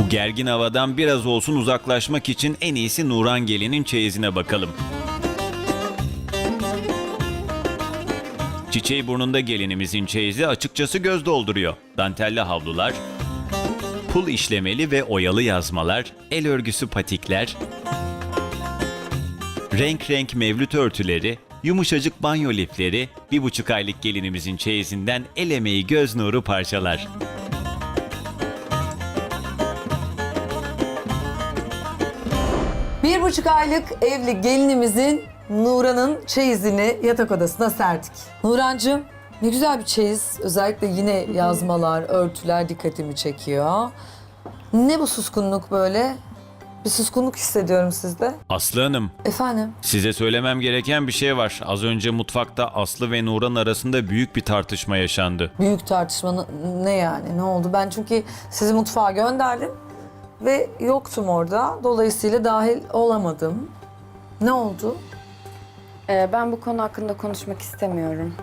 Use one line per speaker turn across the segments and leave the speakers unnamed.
Bu gergin havadan biraz olsun uzaklaşmak için en iyisi Nuran Gelin'in çeyizine bakalım. Çiçeği burnunda gelinimizin çeyizi açıkçası göz dolduruyor. Dantelli havlular, pul işlemeli ve oyalı yazmalar, el örgüsü patikler, renk renk mevlüt örtüleri, yumuşacık banyo lifleri, 1,5 aylık gelinimizin çeyizinden el emeği göz nuru parçalar.
Bir buçuk aylık evli gelinimizin Nuran'ın çeyizini yatak odasına serdik. Nurancığım ne güzel bir çeyiz. Özellikle yine yazmalar, örtüler dikkatimi çekiyor. Ne bu suskunluk böyle? Bir suskunluk hissediyorum sizde.
Aslı Hanım,
Efendim?
size söylemem gereken bir şey var. Az önce mutfakta Aslı ve Nuran arasında büyük bir tartışma yaşandı.
Büyük tartışma ne yani? Ne oldu? Ben çünkü sizi mutfağa gönderdim ve yoktum orada. Dolayısıyla dahil olamadım. Ne oldu?
Ben bu konu hakkında konuşmak istemiyorum.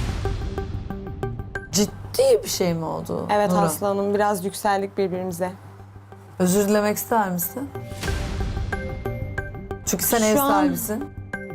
Ciddi bir şey mi oldu?
Evet
Nuran?
Aslı Hanım, biraz yükseldik birbirimize.
Özür dilemek ister misin? Çünkü sen
Şu
ev
an-
sahibisin.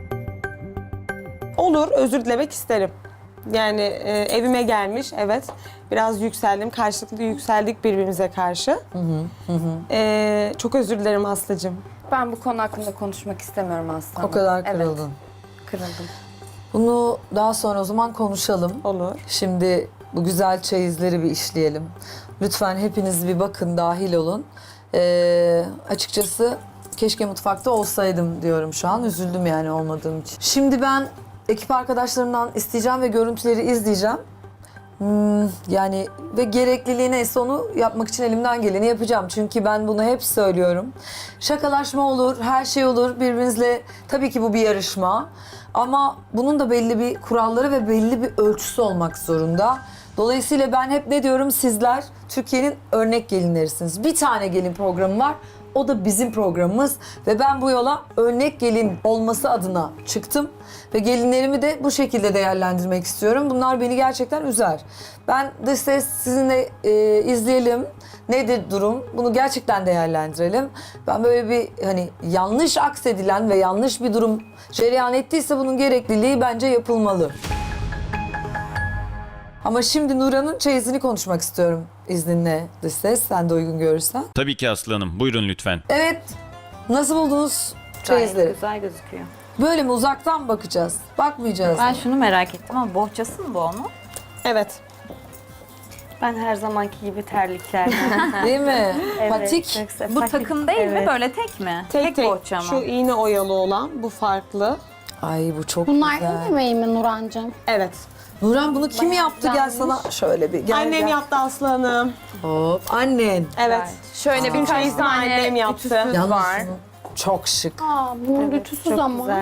Olur, özür dilemek isterim. Yani evime gelmiş, evet. Biraz yükseldim, karşılıklı yükseldik birbirimize karşı. Çok özür dilerim Aslı'cığım.
Ben bu konu hakkında konuşmak istemiyorum aslında.
O kadar kırıldın.
Evet, kırıldım.
Bunu daha sonra o zaman konuşalım.
Olur.
Şimdi bu güzel çeyizleri bir işleyelim. Lütfen hepiniz bir bakın, dahil olun. Açıkçası keşke mutfakta olsaydım diyorum şu an. Üzüldüm yani olmadığım için. Şimdi ben ekip arkadaşlarımdan isteyeceğim ve görüntüleri izleyeceğim. Yani ve gerekliliği neyse onu yapmak için elimden geleni yapacağım. Çünkü ben bunu hep söylüyorum. Şakalaşma olur, her şey olur. Birbirinizle tabii ki bu bir yarışma. Ama bunun da belli bir kuralları ve belli bir ölçüsü olmak zorunda. Dolayısıyla ben hep ne diyorum? Sizler Türkiye'nin örnek gelinlerisiniz. Bir tane gelin programı var. O da bizim programımız ve ben bu yola örnek gelin olması adına çıktım. Ve gelinlerimi de bu şekilde değerlendirmek istiyorum. Bunlar beni gerçekten üzer. Ben de ses sizinle izleyelim. Nedir durum? Bunu gerçekten değerlendirelim. Ben böyle bir hani yanlış aksedilen ve yanlış bir durum cereyan ettiyse bunun gerekliliği bence yapılmalı. Ama şimdi Nuran'ın çeyizini konuşmak istiyorum izninle dış ses. Sen de uygun görürsen.
Tabii ki Aslı Hanım, buyurun lütfen.
Evet. Nasıl buldunuz
Gayet
çeyizleri?
güzel gözüküyor.
Böyle mi uzaktan bakacağız? Bakmayacağız.
Ben şunu merak ettim ama bohçası mı bu onun?
Evet.
Ben her zamanki gibi terliklerden.
Değil mi?
Evet,
Patik.
çok güzel.
Bu
Patik,
takım değil mi?
evet.
Böyle tek mi?
Tek
bohça mı?
Şu iğne oyalı olan, bu farklı.
Ay bu çok
Bunlar
güzel.
el yemeği mi Nurancığım?
Evet.
Nuran bunu kim yaptı? Gel
güzelmiş.
sana şöyle bir gel.
Annem
gel.
yaptı Aslı Hanım.
Hop annen.
Evet.
Şöyle
Bütün
birkaç
çeyizimi
tane
annem yaptı.
ütüsüz
Yalnız
var.
çok şık.
Aa, bunun ütüsüz
Çok
ama.
güzel.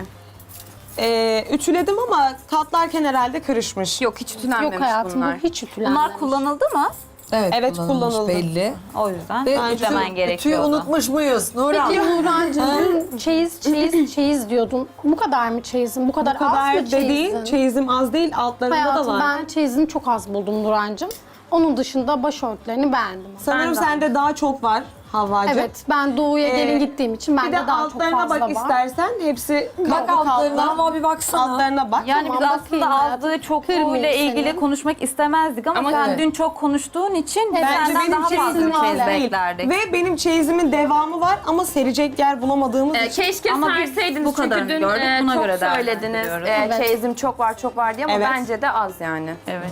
Ütüledim ama katlarken herhalde kırışmış.
Yok hiç ütülenmemiş
Yok hayatım
bunlar.
bu hiç ütülenmemiş.
Bunlar kullanıldı mı?
Evet,
kullanılmış,
kullanıldı. Belli.
O yüzden
Ve
ütülemen
Ütüyü
gerekiyordu.
unutmuş muyuz Nuran?
Peki Nurancığım çeyiz diyordun. Bu kadar mı çeyizin? Bu kadar,
Bu kadar
az mı
da
çeyizin?
değil. Çeyizim az değil. Altlarında da
Hayatım
var.
ben çeyizini çok az buldum Nurancığım. Onun dışında başörtülerini beğendim.
Sanırım sende daha çok var Havvacığım.
Evet ben doğuya gelin gittiğim için
Bir
bende
de
daha çok
altlarına
fazla
bak
var.
istersen. Hepsi
Bak
kaplı
altlarına
kaplı.
ama bir baksana.
Altlarına bak.
Yani
Tamam,
biz
bakayım
aslında
hayatım.
aldığı çokluğuyla
Kırmayayım
ilgili
seni.
konuşmak istemezdik ama
Ama
sen
evet.
dün çok konuştuğun için
Evet.
Bence
senden
benim
daha fazla
çeyizim
bir çeyiz
az değil.
beklerdik.
Ve benim çeyizimin devamı var ama serecek yer bulamadığımız için.
Keşke
Ama biz
serseydiniz
bu kadarını
çünkü dün
gördük, buna
çok
göre
söylediniz.
değerlendiriyoruz.
Evet.
Çeyizim çok var diye ama
Evet.
bence de az yani.
Evet.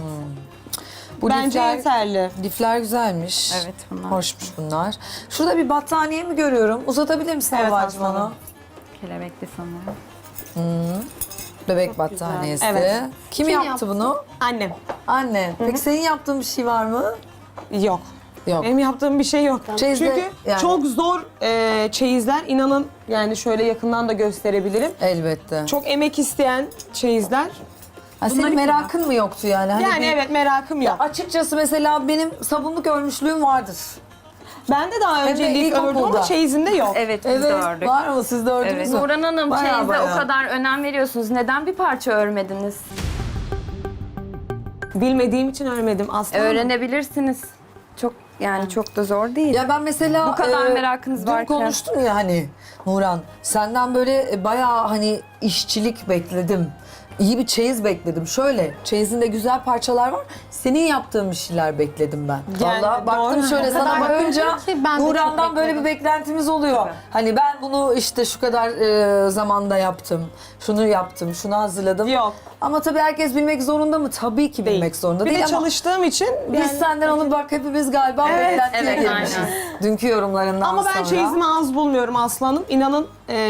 Bu
Bence
lifler,
yeterli.
lifler güzelmiş.
Evet, bunlar.
Hoşmuş bunlar. Şurada bir battaniye mi görüyorum? Uzatabilir misin
Evet,
Havvacığım
aslanım.
onu?
Kelebekli sanırım.
Bebek battaniyesi.
Evet.
Kim yaptı bunu?
Annem.
Anne. Peki senin yaptığın bir şey var mı?
Yok.
Yok.
Benim yaptığım bir şey yok.
Çeyizde
Çünkü
yani-
çok zor çeyizler. İnanın yani şöyle yakından da gösterebilirim.
Elbette.
Çok emek isteyen çeyizler.
Ha, senin merakın mı yoktu yani? Hani
Yani
bir-
evet merakım
Ya
yok.
açıkçası mesela benim sabunluk örmüşlüğüm vardır.
Ben de daha
Hem de
önce lif ördüm
ilkokulda.
ama çeyizimde yok.
Evet, biz
Evet.
de ördük.
Var mı? Siz de ördünüz
Evet.
mü?
Nurhan Hanım
Bayağı
çeyize
bayağı.
o kadar önem veriyorsunuz. Neden bir parça örmediniz?
Bilmediğim için örmedim aslında.
Öğrenebilirsiniz. Çok Yani çok da zor değil.
Ya ben mesela
Bu kadar merakınız
dün
varken.
konuştum ya hani Nuran, senden böyle bayağı hani işçilik bekledim. İyi bir çeyiz bekledim. Şöyle, çeyizinde güzel parçalar var. Senin yaptığın bir şeyler bekledim ben.
Yani
Vallahi baktım
doğru.
şöyle
O kadar
sana bakınca
gördüm ki ben de çok
Nuran'dan böyle bir
bekledim.
beklentimiz oluyor. Hani ben bunu işte şu kadar zamanda yaptım. Şunu yaptım, şunu hazırladım.
Yok.
Ama tabii herkes bilmek zorunda mı? Tabii ki
Değil.
bilmek zorunda
Bir
değil
de
ama
çalıştığım için
biz senden onu bak hepimiz galiba beklentiye
evet,
girmişiz. Dünkü yorumlarından
ama ben
sonra.
çeyizimi az bulmuyorum Aslanım. İnanın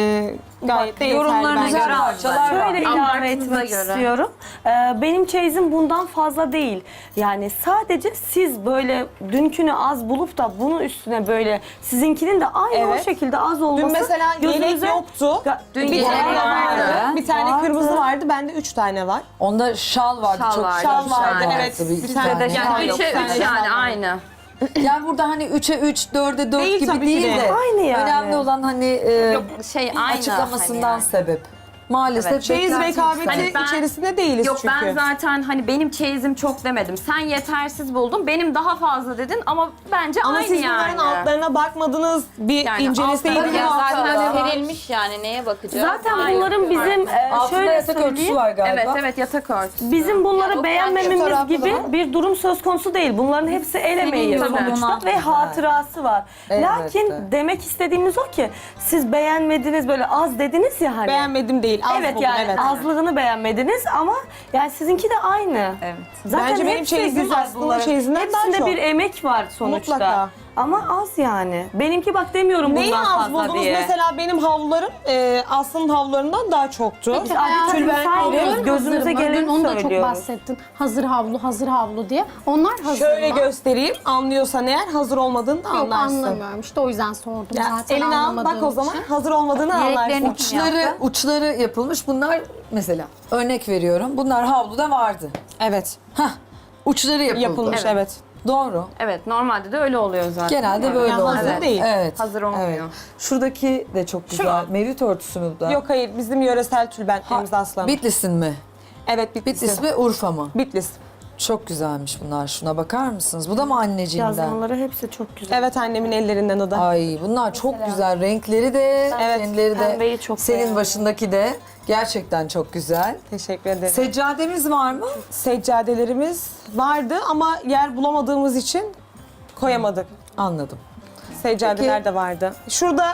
gayet de yeterli
yorumlarınıza
bence.
Güzel parçalar var.
Şöyle ilave
Abartınıza
etmek
göre.
istiyorum. Benim çeyizim bundan fazla değil. Yani sadece siz böyle dünkünü az bulup da bunun üstüne böyle sizinkinin de aynı
Evet.
o şekilde az olması.
Dün mesela yelek
gözünüze-
yoktu.
Dün
bir
yelek
tane
vardı.
Bir tane
Vardı.
kırmızı vardı. Bende 3 tane var.
Onda şal vardı.
Şal
çok
vardı.
güzel
Şal
bir
vardı,
şal
evet.
Bir
Bir
iki
tane
tane.
de
Yani
şal yok.
3'e 3
Sen de
yani
şal
aynı.
Yani burada hani 3'e 3, 4'e 4
Değil
gibi
tabii ki
değil
de.
de.
Aynı yani.
Önemli olan hani
Şey aynı.
açıklamasından
hani
sebep. Maalesef
Evet.
Çeyiz
beklenti
rekabeti
yüksek.
Hani ben-
içerisinde değiliz
Yok
çünkü.
ben zaten hani benim çeyizim çok demedim. Sen yetersiz buldun. Benim daha fazla dedin ama bence
Ama
aynı
siz
yani.
bunların altlarına bakmadınız. Bir
Yani
inceleseydiniz.
altlarına
Zaten
Altında.
serilmiş yani neye bakacağız?
Zaten
Aynı.
bunların bizim
Altında
şöyle
yatak örtüsü
söyleyeyim.
var galiba.
Evet evet yatak örtüsü.
Bizim bunları
Yani o
beğenmememiz
fotoğraflı
gibi
da var.
bir durum söz konusu değil. Bunların hepsi el emeği
yorumuna.
sonuçta ve hatırası var.
Elbette.
Lakin demek istediğimiz o ki siz beğenmediniz böyle az dediniz ya hani.
Beğenmedim değil. Az
Evet
buldum,
yani
evet.
azlığını beğenmediniz ama yani sizinki de aynı.
Evet.
Zaten
Bence benim
hepsi
çeyizim
güzel
aslında
bunların.
çeyizinden daha
Hepsinde
çok.
bir emek var sonuçta.
Mutlaka.
Ama az yani. Benimki bak demiyorum
Neyi
bundan
az
fazla
buldunuz?
diye.
Mesela benim havlularım Aslı'nın havlularından daha çoktu.
Biz adetini
Tülbent
saymıyoruz.
gibi.
Gözümüze
Hazırım.
geleni
Dün onu da çok
söylüyoruz.
bahsettin. Hazır havlu, hazır havlu diye. Onlar hazır
Şöyle
mı?
göstereyim. Anlıyorsan eğer hazır olmadığını da
Yok
anlarsın.
anlamıyorum. İşte o yüzden sordum
Ya,
zaten
elini al
anlamadığım
bak o zaman
için.
hazır olmadığını anlarsın.
Uçları yapılmış. Bunlar mesela örnek veriyorum. Bunlar havluda vardı.
Evet.
Hah. Uçları yapıldı.
Yapılmış evet.
Doğru.
Evet normalde de öyle oluyor zaten.
Genelde böyle
Yani
oluyor.
hazır değil.
Evet.
Hazır olmuyor.
Evet. Şuradaki de çok güzel. Mevlüt örtüsü mü bu da?
Yok hayır bizim yöresel tülbentlerimiz aslanım.
Bitlis'in mi?
Evet Bitlis.
Bitlis mi Urfa mı?
Bitlis.
Çok güzelmiş bunlar. Şuna bakar mısınız? Bu da mı anneciğinden?
Yazmaları hepsi çok güzel.
Evet annemin ellerinden o da.
Ay bunlar çok güzel. Renkleri de,
Evet,
kendileri de.
pembeyi çok
Senin
beğendim.
başındaki de gerçekten çok güzel.
Teşekkür ederim.
Seccademiz var mı?
Seccadelerimiz vardı ama yer bulamadığımız için koyamadık.
Anladım.
Seccadeler
Peki.
de vardı. Şurada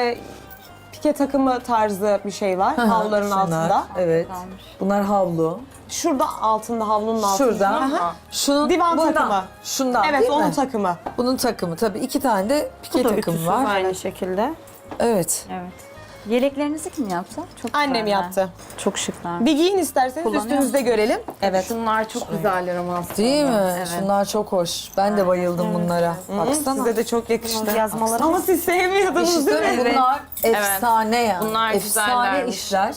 pike takımı tarzı bir şey var havluların
Şunlar,
altında.
Evet. Bunlar havlu.
Şurada altında havlunun altında.
Şurada.
Aha.
Şunun,
Divan
bundan.
takımı.
Şundan
Evet
değil
onun
mi?
takımı.
Bunun takımı. Tabii 2 tane de pike
Bu da
takımı
ütüsüz
var.
aynı şekilde.
Evet.
Evet. Yeleklerinizi kim yaptı? Çok
Annem
güzeller.
yaptı.
Çok şıklar.
Bir giyin isterseniz
Kullanıyor
üstünüzde görelim. Evet.
Şunlar çok güzeller ama aslında.
Değil mi?
Evet.
Şunlar çok hoş. Ben de bayıldım bunlara. Baksana.
Size de çok yakıştı.
Yazmaları
Ama siz sevmiyordunuz değil mi?
Evet.
Bunlar efsane ya.
Bunlar
efsane
güzellermiş.
işler.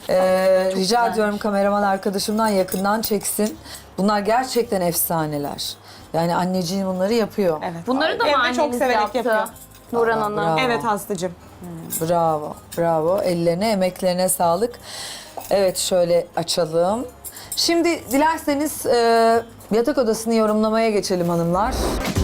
Rica ediyorum kameraman arkadaşımdan yakından çeksin. Bunlar gerçekten efsaneler. Yani anneciğim bunları yapıyor.
Evet.
Bunları da mı
Evde çok
anneniz
severek
yaptı?
yapıyor.
Nurhan Hanım.
Bravo.
Evet Aslı'cığım.
Bravo, bravo. Ellerine, emeklerine sağlık. Evet, şöyle açalım. Şimdi dilerseniz yatak odasını yorumlamaya geçelim hanımlar.